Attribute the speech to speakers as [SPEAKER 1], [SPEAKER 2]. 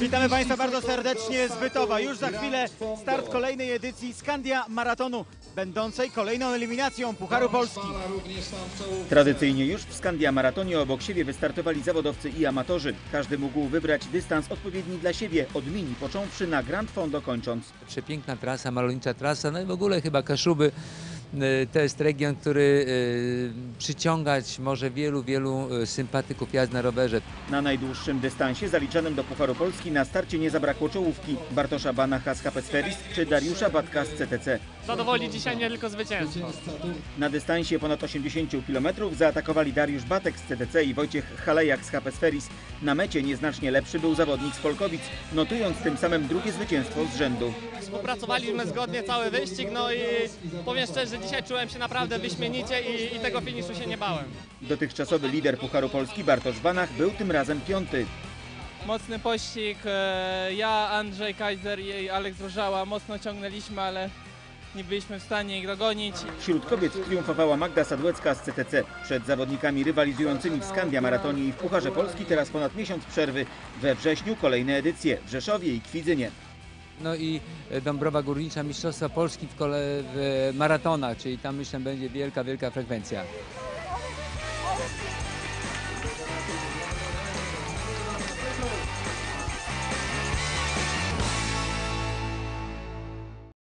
[SPEAKER 1] Witamy Państwa bardzo serdecznie z Bytowa. Już za chwilę start kolejnej edycji Skandia Maratonu, będącej kolejną eliminacją Pucharu Polski.
[SPEAKER 2] Tradycyjnie już w Skandia Maratonie obok siebie wystartowali zawodowcy i amatorzy. Każdy mógł wybrać dystans odpowiedni dla siebie, od mini począwszy na Grand Fondo kończąc.
[SPEAKER 3] Przepiękna trasa, malownicza trasa, no i w ogóle chyba Kaszuby to jest region, który przyciągać może wielu sympatyków jazd na rowerze.
[SPEAKER 2] Na najdłuższym dystansie zaliczanym do Pucharu Polski na starcie nie zabrakło czołówki Bartosza Banacha z HP Sferis czy Dariusza Batka z CTC.
[SPEAKER 4] Zadowoli dzisiaj nie tylko zwycięstwo.
[SPEAKER 2] Na dystansie ponad 80 km zaatakowali Dariusz Batek z CTC i Wojciech Halejak z HP Sferis. Na mecie nieznacznie lepszy był zawodnik z Polkowic, notując tym samym drugie zwycięstwo z rzędu.
[SPEAKER 4] Współpracowaliśmy zgodnie cały wyścig, no i powiem szczerze, że dzisiaj czułem się naprawdę wyśmienicie i tego finiszu się nie bałem.
[SPEAKER 2] Dotychczasowy lider Pucharu Polski Bartosz Banach był tym razem piąty.
[SPEAKER 5] Mocny pościg, ja, Andrzej Kaiser i Aleks Różała mocno ciągnęliśmy, ale nie byliśmy w stanie ich dogonić.
[SPEAKER 2] Wśród kobiet triumfowała Magda Sadłecka z CTC. Przed zawodnikami rywalizującymi w Skandia Maratonie i w Pucharze Polski teraz ponad miesiąc przerwy. We wrześniu kolejne edycje w Rzeszowie i Kwidzynie.
[SPEAKER 3] No i Dąbrowa Górnicza, Mistrzostwa Polski w maratonach, czyli tam myślę będzie wielka frekwencja.